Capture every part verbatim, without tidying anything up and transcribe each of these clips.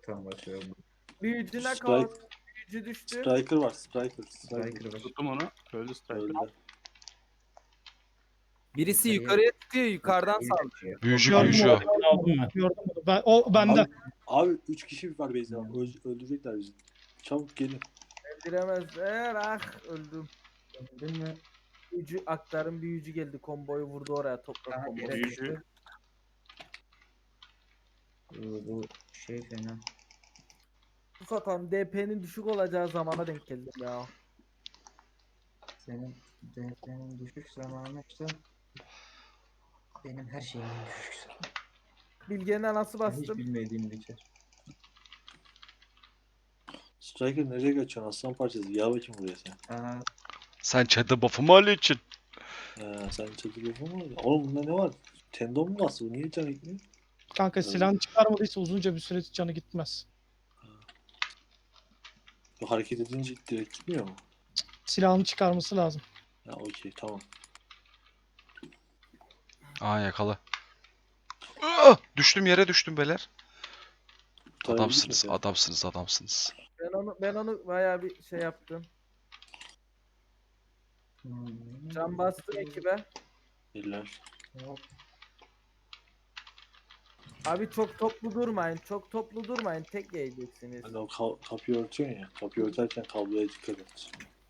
Tam bakıyorum. Büyücüne Strike, kaos. Büyücü düştü. Striker var. Striker. Striker. Striker var. Tuttum onu. Öldü Striker. Öldü. Birisi Yukarıya- yukarıya çıkıyor, yukarıdan Yukarıya saldırıyor. kaçıyor. Büyücü Gördüm büyücü onu, o. Aldım ben. Gördüm onu. Ben, o bende. Abi, abi üç kişi var Beyza. Öl- öldürecekler bizi. Çabuk gelin. Öldüremezler. Ah öldüm. Değil mi? Büyücü aktarın büyücü geldi. Komboyu vurdu oraya toprak Aha, komboyu. yere Büyücü. düştü. Bu, bu şey fena. Bu satan D P'nin düşük olacağı zamana denk geldim ya. Senin denklemin düşük zamanı işte. Benim her şeyimin düşük zamanı. Bilge'nin anası Ben hiç bastım. bilmediğim bir şey. Striker nereye kaçıyorsun? Aslan parçası. Ya bakayım buraya sen. Aha, Sen çadı buff'ımı alıyorsun. Ee, sen çatırıyorsun mu? Oğlum bunda ne var? Tendon mu bastı? Bu niye can gitmiyor? Kanka silahını çıkarmadıysa uzunca bir süre canı gitmez. Bu hareket edince direkt gitmiyor mu? Silahını çıkarması lazım. Ha okey tamam. Aa yakala. Ah! Düştüm yere düştüm beyler. Tabii Adamsınız, gitmedi. adamsınız, adamsınız. Ben onu ben onu bayağı bir şey yaptım. hmm. Can bastım ekibe. Eller. Hop. Abi çok toplu durmayın. Çok toplu durmayın. Tek yiyeceksiniz. Hani o ka- kapıyı örtüyorsun ya. Kapıyı örterken kabloya dikkat et.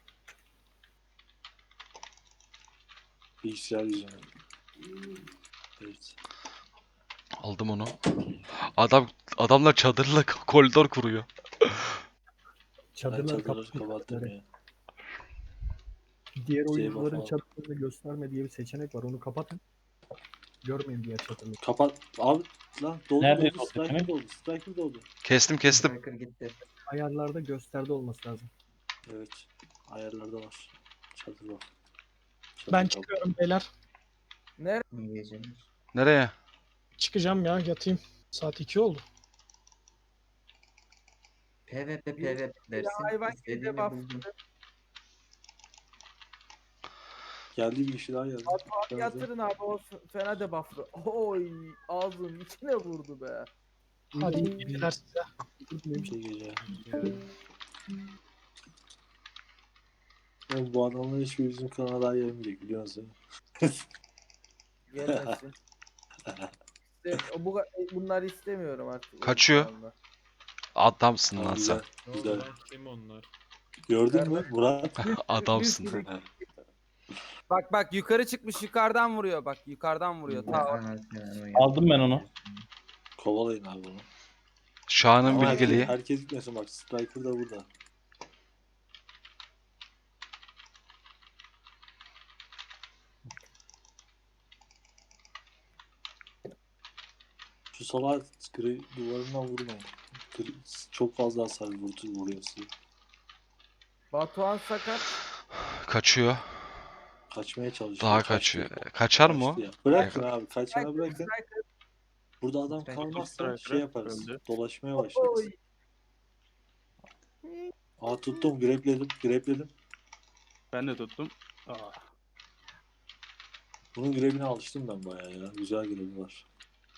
Bilgisayar yüzünden. Evet. Aldım onu. Adam adamlar çadırla koridor kuruyor. Ben Çadırları çadırları kapattım. kapattım ya. Diğer Şey oyuncuların bak- çadırlarını gösterme diye bir seçenek var. Onu kapatın. Görmeyin diğer çadırları. Kapat. Abi lan doldu Nerede doldu. doldu Striker Kemal? doldu. Striker doldu. Kestim kestim. Striker gitti. Ayarlarda gösterde olması lazım. Evet. Ayarlarda var. Çadır var. Çadır Ben kap- çıkıyorum beyler. Nerede? Ne diyeceğim? Nereye? Çıkacağım ya, yatayım. Saat iki oldu. PvP Bir- PvP dersin. hayvan İstediğini gece bastı. buldun. Geldi bir kişi daha geldi. Abi yatırın abi o fena debufflı. Oy ağzının içine vurdu be. Hadi iyi geceler size. Bir şey gece. Oğlum bu adamlar hiçbir bizim kanala daha gelmeyecek biliyor musun? Gelmesin. İşte bu bunları istemiyorum artık. Kaçıyor. oyun Adamsın Tamam, lan sen. güzel. Güzel. Kim onlar? Gördün mü Murat? Adamsın. kanalında. Bak bak yukarı çıkmış yukarıdan vuruyor bak yukarıdan vuruyor. Ta Anasını Aldım ben onu. Kovalayın abi bunu. Şahan'ın Ama herkes, bilgeliği. herkes gitmesin bak. Striker da burada. Şu salak gri duvarından vurmayın. Gri, çok fazla hasar vurdu vuruyor sizi. Batuhan sakat. Kaçıyor. Kaçmaya çalışıyor. Daha kaçtı. kaçıyor. Kaçar mı o? Kaçtı ya. Bırakın abi. Kaçana bırakın. Striker. Burada adam Striker, kalmazsa Striker şey yaparız. öldü. Dolaşmaya başlarız. Oy. Aa tuttum. Grepledim. Grepledim. Ben de tuttum. Aa. Bunun grebine alıştım ben bayağı ya. Güzel grebi var.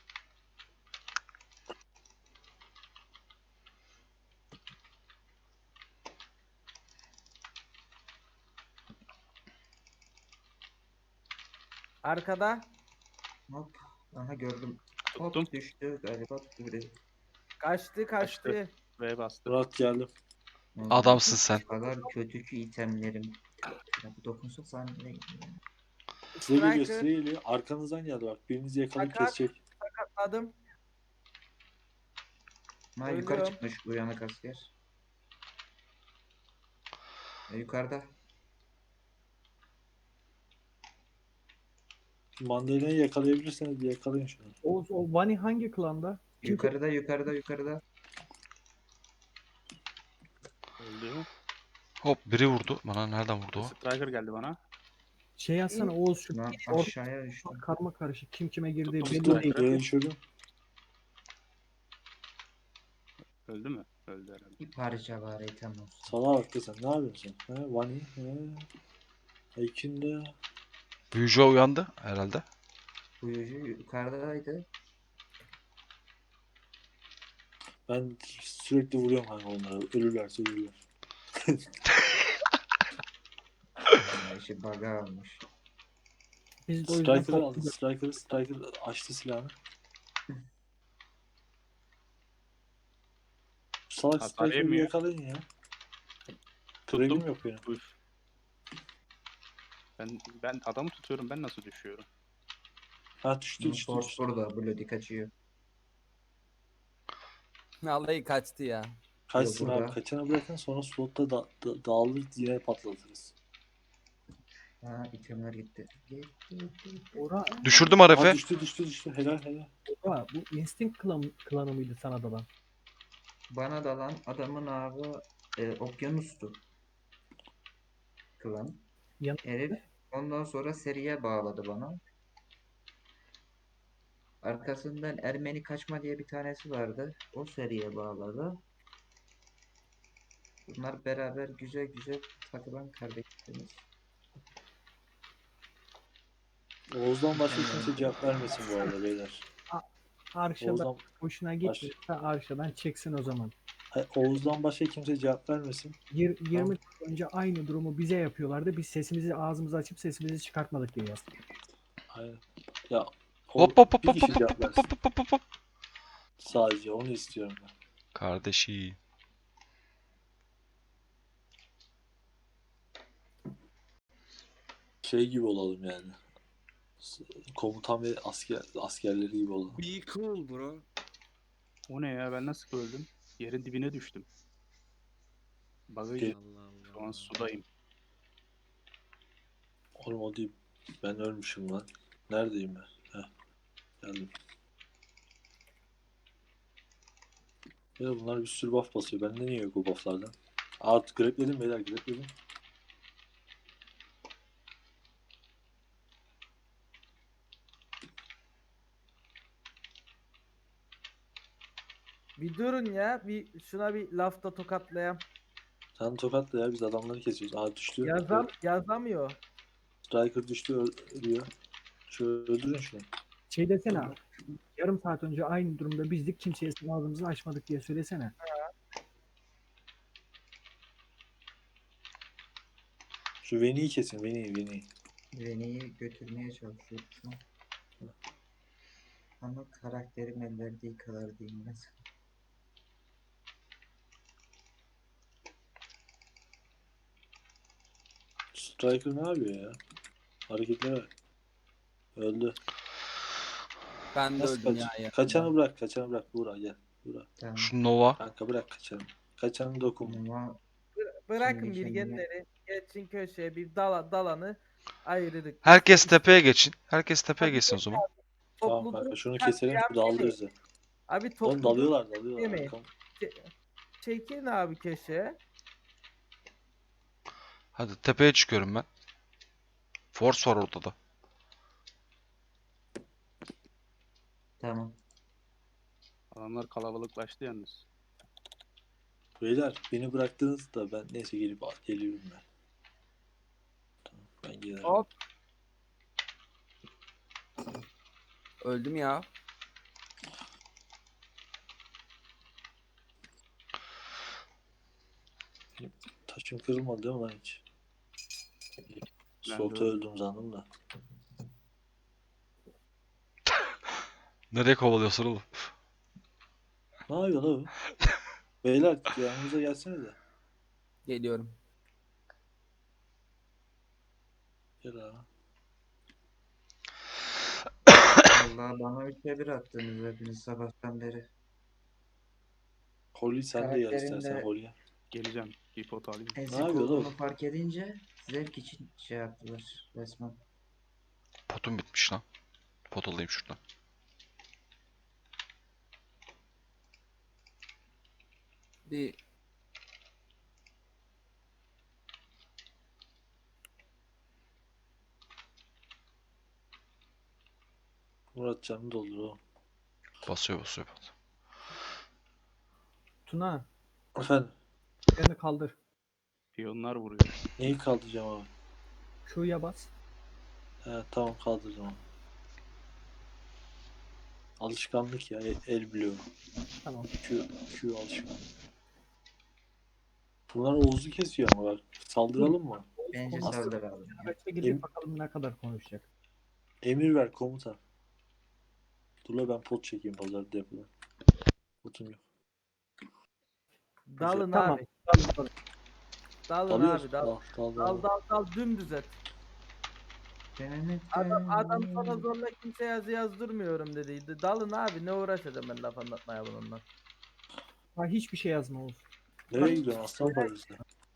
Arkada. Hop. Aha gördüm. Tuttum. Hop düştü galiba. Biri. Kaçtı kaçtı. Kaçtı. V bastı. Murat geldim. Adamsın sen. O kadar kötü ki itemlerim. Ya bu dokunsa sen ne? Size geliyor Striker. size geliyor. Arkanızdan geldi bak. Birinizi yakalayıp Fakat- kesecek. Sakatladım. Ha yukarı Ölüyorum. çıkmış uyanık asker. E, yukarıda. Mandalina'yı yakalayabilirseniz bir yakalayın şunu. Oğuz o Vani hangi klanda? Kim Yukarıda yukarıda yukarıda. Öldü. Hop biri vurdu. Bana nereden vurdu o? Striker geldi bana. Şey yazsana Oğuz şu Lan Or- aşağıya düştü. karma karışık kim kime girdiği Tuttum belli değil. Striker'ı. Yere düşürdüm. Öldü mü? Öldü herhalde. Bir parça var item olsun. Salağa bak da sen ne yapıyorsun? He? Vani? He? Ekin de. Büyücü uyandı herhalde. Buyucu yukarıdaydı. Ben sürekli vuruyorum kanka onlara. Ölürlerse ölürler. Ya işi bug'a almış. Biz de o yüzden Striker'ı aldı. toplu Striker, Striker açtı silahını. Salak Hasar Striker'ı bir yemiyor. yakalayın ya. Krevim yok benim. Üf. Ben ben adamı tutuyorum. Ben nasıl düşüyorum? Ha düştü düştü Force düştü. burada. Bloody kaçıyor. Vallahi kaçtı ya. Kaçsın Yok, abi. burada. Kaçana bırakın sonra slotta da, da, dağılır yine patlatırız. Ha itemler gitti. Gitti gitti gitti. Ora, Düşürdüm Ha Aref'e. düştü düştü düştü. Helal helal. Ora, bu Instinct klan, klanı mıydı sana dalan? Bana dalan adamın abi e, okyanustu. Klan. Yan- Herif ondan sonra seriye bağladı bana. Arkasından Ermeni kaçma diye bir tanesi vardı. O seriye bağladı. Bunlar beraber güzel güzel takılan kardeşlerimiz. Oğuz'dan başka kimse cevap vermesin bu arada beyler. Arşa'dan Oğuz'dan, hoşuna gitmiyorsa Arşa'dan çeksin o zaman. Hayır, Oğuz'dan başka kimse cevap vermesin. Yir- yirmi dakika önce aynı durumu bize yapıyorlardı. Biz sesimizi ağzımızı açıp sesimizi çıkartmadık diye yazdık. Aynen. Ya o- Hop hop hop bir hop kişi hop cevap hop versin. hop hop hop hop. Sadece onu istiyorum ben. Kardeşi. Şey gibi olalım yani. S- Komutan ve asker askerleri gibi olalım. Be cool bro. O ne ya? Ben nasıl öldüm? Yerin dibine düştüm. Bug'ı Ge- Allah Allah. şu an sudayım. Oğlum o değil. Ben ölmüşüm lan. Neredeyim ben? Heh. Geldim. Ya bunlar bir sürü buff basıyor. Bende niye yok o bufflardan? Aa grepledim beyler grepledim. Bir durun ya. Bir şuna bir lafta tokatlayam. Sen tokatla ya biz adamları kesiyoruz. Aa düştü. Yazam yazamıyor. Striker düştü ö- ölüyor. Şu öldürün şunu. Şey desene abi, yarım saat önce aynı durumda bizdik kimseye ağzımızı açmadık diye söylesene. Şu Veni'yi kesin Veni'yi Veni'yi. Reni'yi götürmeye çalışıyor şu an. Ama karakterim el verdiği kadar değilmez. Striker ne yapıyor ya? Hareketlere bak. Öldü. Ben de Nasıl öldüm kaç? ya. yakında. Kaçanı bırak, kaçanı bırak. Buğra gel. Buğra. Tamam. Şu Nova. Kanka bırak kaçanı. Kaçanı dokunma. Ama Bırakın Kendi kendine- bilgenleri. Geçin köşeye bir dala, dalanı ayırdık. Herkes tepeye geçin. Herkes tepeye geçsin o zaman. Tamam Toplu kanka dur- şunu Ha, keselim ya şu dağılırız ya. Abi Oğlum toplu dalıyorlar dalıyorlar. yemeyin. Arkam- çekin abi köşeye. Hadi tepeye çıkıyorum ben. Force var ortada. tamam. Adamlar kalabalıklaştı yalnız. Beyler beni bıraktınız da ben neyse gelip geliyorum ben. Tamam ben gelirim. Hop. Öldüm ya. Taşım kırılmadı değil mi lan hiç? Ben de Solta öldüm. öldüm sandım da. Nereye kovalıyorsun oğlum? Ne yapıyor la bu? Beyler yanımıza gelsene de. Geliyorum. Gel abi. Vallahi bana üçe bir attınız hepiniz sabahtan beri. Holly sen de gel Karakterinde- istersen Holly'e. Geleceğim. Bir pot alayım. Ezik yapıyor lan olduğunu bu? fark edince zevk için şey yaptılar resmen. Potum bitmiş lan. Pot alayım şuradan. Bir Murat canını doldur oğlum. Basıyor basıyor pot. Tuna Efendim beni kaldır. Piyonlar vuruyor. neyi kaldıracağım abi? Q'ya bas. He tamam kaldıracağım abi. Alışkanlık ya. El, el biliyorum. Tamam. Q, Q alışkanlık. Bunlar Oğuz'u kesiyor ama bak. Saldıralım mı? Bence Konuşsun. saldır abi. Kaçta girecek bakalım ne kadar konuşacak. Emir ver komutan. Dur la ben pot çekeyim pazar depoda. Potum yok. Dalın Tamam. abi. Dalın Alıyoruz. abi dal. Dal, dal, Dal dal. dal dal dümdüz et. Adam, adam sana Adam zorla kimse yazı yazdırmıyorum dediydi. Dalın abi ne uğraşacağım ben laf anlatmaya bununla. Ha, hiçbir şey yazma Oğuz. Nereye gidiyorsun aslan parçası?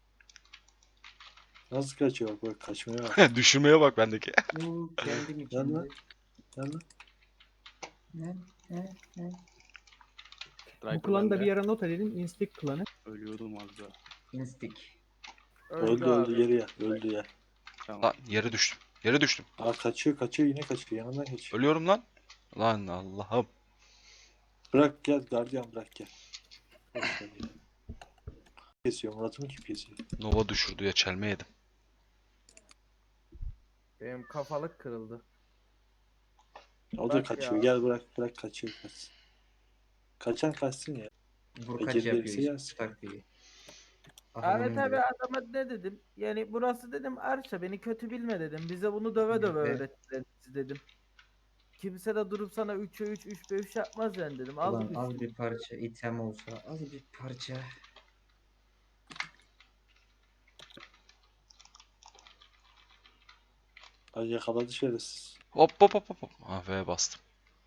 Nasıl kaçıyor bak bak kaçmaya bak. Düşürmeye bak bendeki. Bu kendim Yan içinde. lan. Yan lan. Ne? Ne? Ne? Bu Striker klanı da bende. bir yere not edelim. Instinct klanı. Ölüyordum az daha. Instik. Öldü abi. öldü geri ya. Öldü ya. Tamam. Lan yere düştüm. Yere düştüm. Aa kaçıyor kaçıyor yine kaçıyor. Yanından kaçıyor. Ölüyorum lan. Lan Allah'ım. Bırak gel gardiyan bırak gel. Boş ver ya. Kesiyor Murat'ımı kim kesiyor? Nova düşürdü ya çelme yedim. Benim kafalık kırıldı. O da Bak kaçıyor. ya. Gel bırak bırak kaçıyor kaçsın. Kaçan kaçsın ya. Vurkaç Ecel yapıyor verirse işte. yersin. Taktiği. Evet abi adama ne dedim? Yani burası dedim Arşa beni kötü bilme dedim. Bize bunu döve döve Evet. öğrettiler dedim. Kimse de durup sana üçe üç, üç beş yapmaz yani dedim. Al Ulan bir az şey. bir parça item olsa az bir parça. Ay yakaladı şerefsiz. Hop hop hop hop. hop. Ah V bastım.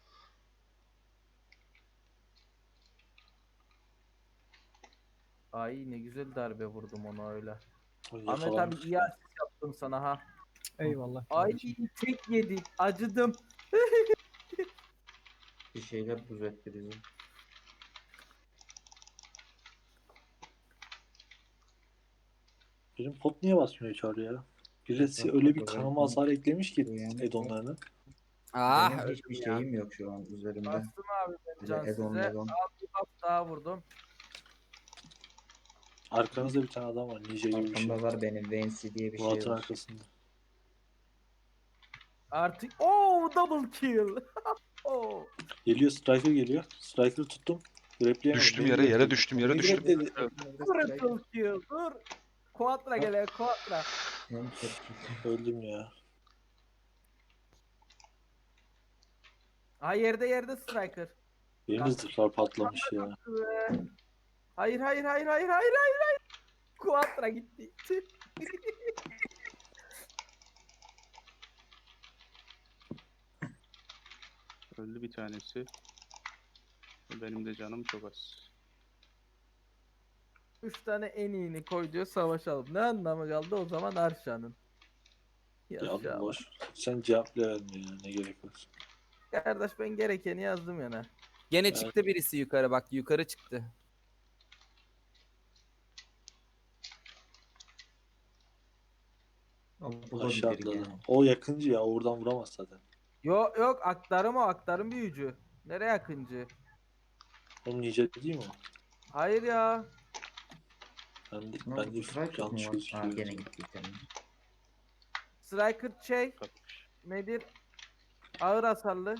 Ay ne güzel darbe vurdum ona öyle. Ay, Ahmet abi yakalanmış. iyi asist yaptım sana ha. Eyvallah. Ay kardeşim. tek yedi. Acıdım. Bir şeyler buz etti bizi. Benim pot niye basmıyor çağrı ya? Birisi Bak, öyle bak, bir bak, kanama bak. hasar eklemiş ki Uyanık edonlarını. Ah Benim öldüm hiçbir ya. şeyim yok şu an üzerimde. Bastım abi ben Bir de can Edon size. Medon. Al bir buff daha vurdum. Arkanızda bir tane adam var. Ninja gibi bir şey. Arkamda var benim Vancy diye bir şey Murat'ın var. arkasında. Artık ooo double kill. Oo. Geliyor Striker geliyor. Striker'ı tuttum. Grepleyemedim. Düştüm Beni yere, yere grepledi. düştüm, yere Beni düştüm. grepledi. Triple kill dur. Quadra gele quadra. Hem tepki. Öldüm ya. Ha yerde yerde striker. Benim de zırhlar patlamış ya. Ve- Hayır hayır hayır hayır hayır hayır hayır. Quadra gitti. Tüh. Öldü bir tanesi. Benim de canım çok az. Üç tane en iyini koy diyor savaşalım. Ne anlamı kaldı o zaman Arşa'nın. Ya Yaşa. boş. Sen cevap bile verme ya. Ne gerek var. Kardeş ben gerekeni yazdım yana. Gene Evet. çıktı birisi yukarı bak yukarı çıktı. O Aşağı bulabilir atladı. gene. O yakıncı ya. Oradan vuramaz zaten. Yok yok aktarım o aktarım büyücü. Nereye akıncı? Onun ninja değil mi o? Hayır ya. Ben de, Ne ben oldu? de Striker yanlış mı var? Ha gözüküyor. gene gitti item. Striker şey Kapış. nedir? Ağır hasarlı.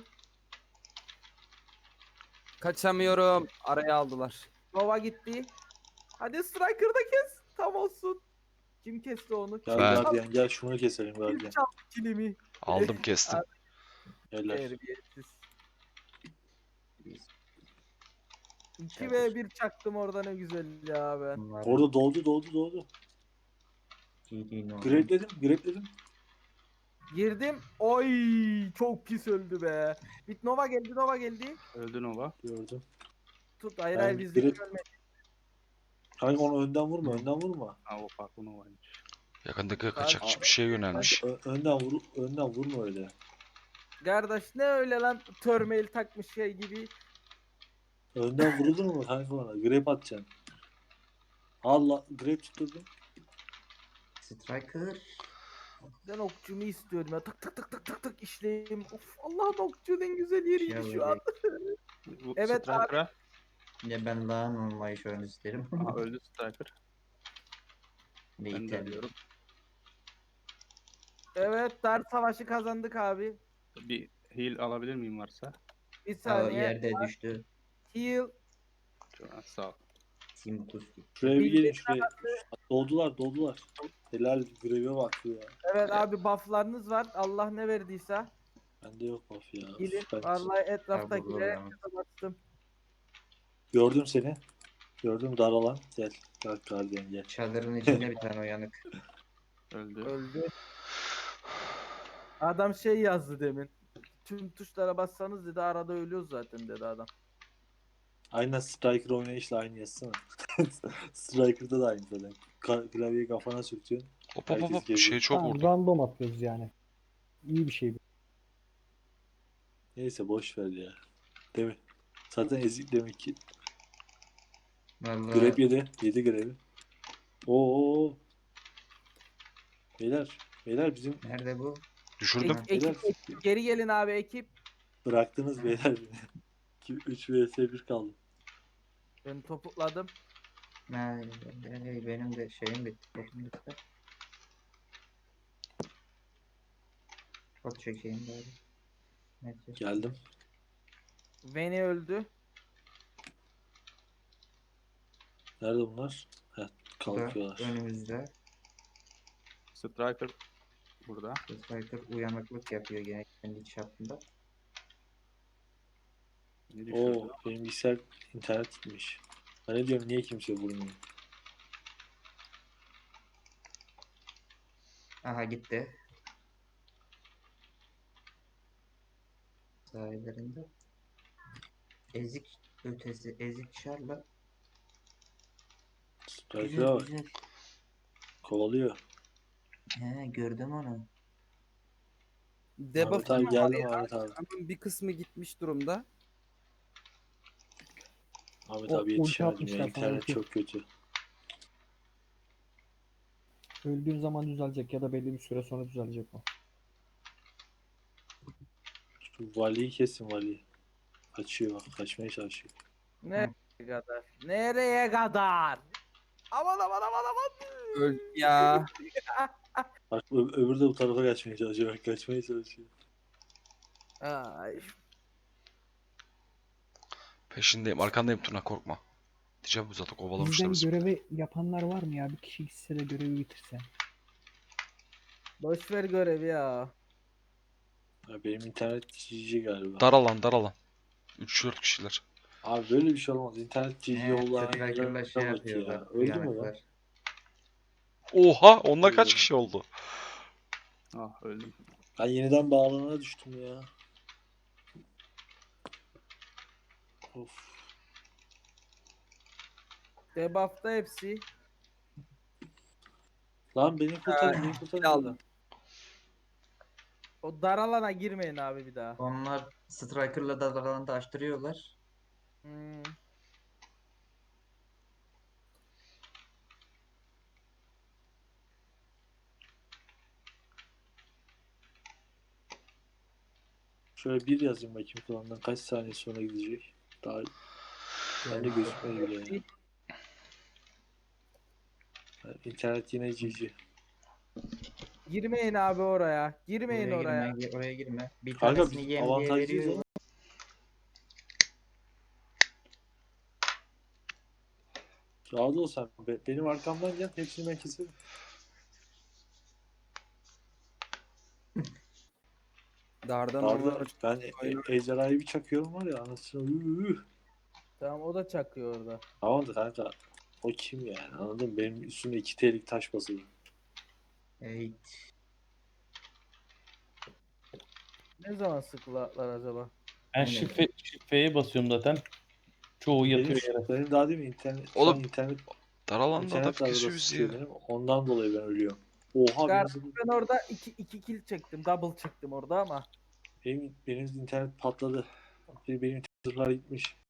Kaçamıyorum. Araya aldılar. Nova gitti. Hadi Striker'da kes. Tam olsun. Kim kesti onu? Gel Ben- gardiyan gel şunu keselim Kim gardiyan. çaldı kilimi? Aldım kestim. Gel. Terbiyesiz. iki ve bir çaktım orada ne güzel ya ben. Bunlar Orada doldu doldu doldu. giydiğin o. Grepledim grepledim. Girdim. Oy çok pis öldü be. Bit Nova geldi Nova geldi. Öldü Nova. Gördüm. Tut hayır Ben hayır biz direkt- görmedik. Kanka onu önden vurma önden vurma. Ha o farklı Nova'ymış. Yakındaki kaçakçı bir şeye yönelmiş. Ö- önden vur önden vurma öyle. Kardeş ne öyle lan törmeil takmış şey gibi. Önden vurulur mu kanka bana? Grep atacaksın. Allah grep tutturdum. Striker. Ben okçumu istiyorum ya. Tık tık tık tık tık tık işleyeyim. Of Allah'ım okçunun en güzel yeriydi Ya şu an. Bu Evet, Striker'a. Ya ben daha normal şu an isterim. Aha, öldü Striker. Bir Ben de item. alıyorum. Evet dar savaşı kazandık abi. Bir heal alabilir miyim varsa? Bir Aa, saniye. yerde düştü. Heal. Ha, sağ ol. Simkus. Şuraya bir Bildiğin gelin şuraya. Doldular doldular. Helal greve bak ya. Evet abi bufflarınız var. Allah ne verdiyse. Bende yok buff ya. Gidin. Ben Vallahi Ha, etraftakilere burada herkese bastım. gördüm seni. Gördüm daralan. Gel. Gel gardiyan gel. Çadırın içinde bir tane uyanık. Öldü. Öldü. Adam şey yazdı demin. Tüm tuşlara bassanız dedi arada ölüyoruz zaten dedi adam. Aynen Striker oynayışla aynı yazsana. Striker'da da aynı zaten. Ka- klavyeyi kafana sürtüyorsun. Hop hop hop Herkes hop. geziyor. Şey çok Tamam, vurdu. random atıyoruz yani. İyi bir şey bu. Neyse boş ver ya. Değil mi? Zaten ezik demek ki. Vallahi Grab yedi. Yedi grevi. Oo. Beyler. Beyler bizim nerede bu? Düşürdüm. Ek- ekip, ekip, geri gelin abi ekip. bıraktınız beyler beni. üç vs bir kaldı. Ben topukladım. Ha, benim benim de şeyim bitti. Botum bitti. Pot çekeyim bari. Neyse. Geldim. Veni öldü. Nerede bunlar? Heh, Bu da kalkıyorlar. önümüzde. Striker burada. Striker uyanıklık yapıyor gene kendi çapında. Ne düşürdü? Oo, benim bilgisayar internet gitmiş. Ben ne diyorum niye kimse vurmuyor? Aha gitti. Sahillerinde. Ezik ötesi, ezik şarla. Güzel Striker'a bak. güzel. Kovalıyor. He gördüm onu. Ahmet Debuff abi geldim Ahmet abi. Ama bir kısmı gitmiş durumda. Ahmet O- abi ulti yetişemedim atmışlar ya. sana, İnternet ulti. çok kötü. Öldüğün zaman düzelecek ya da belli bir süre sonra düzelecek o. Şu valiyi kesin valiyi. Kaçıyor bak. Kaçmaya çalışıyor. Nereye kadar? Nereye kadar? Aman aman aman aman. Öldü ya. Bak ö- öbürü de bu tarafa kaçmaya çalışıyor. Bak kaçmaya çalışıyor. Ay. Peşindeyim. Arkandayım Tuna korkma. Diyeceğim bu zaten Bizden kovalamışlar. görevi yapanlar var mı ya? Bir kişi gitse de görevi bitirse. Boş ver görevi ya. Ya benim internet cici galiba. Daralan daralan. üç dört kişiler. Abi böyle bir şey olmaz. İnternet cici He, yollanan Striker'la yerlere şey bak yapıyorlar. ya. Öldü mü lan? Uyanıklar. Oha onda kaç Öyle. kişi oldu? Ah öldüm. Ben yeniden bağlanana düştüm ya. Of. Debuff'ta hepsi. Lan beni kurtarın, beni kurtarın. aldım. O dar alana girmeyin abi bir daha. Onlar Striker'la da aralarında açtırıyorlar. Hmm. Şöyle bir yazayım bakayım klandan kaç saniye sonra gidecek. Daha bende gözükmüyor bile ya. Yani İnternet yine cici. Girmeyin abi oraya. Girmeyin Oraya oraya. girme, gi- oraya girme. Bir Kanka tanesini biz yem diye avantajlıyız veriyor. ama. Rahat ol sen. Be- benim arkamdan gel. Hepsini ben keserim. Dardan Darda onlar- ben e- ejderhayı bir çakıyorum var ya anasını. Üh. Tamam o da çakıyor orada. Tamam da kanka. O kim yani anladın mı? Benim üstümde iki T'lik taş basılı. Evet. Ne zaman sıkılatlar acaba? Ben Aynen. şifre, şifreye basıyorum zaten. Çoğu yatıyor Benim, yere. benim daha değil mi internet? şu Oğlum, an internet Daralanda internet adam arabası kesiyoruz tutuyor ya. benim. Ondan dolayı ben ölüyorum. Oha benim, Çıkar- Ben orada iki, iki kill çektim. Double çektim orada ama. benim, benim internet patladı. Benim, benim zırhlar gitmiş.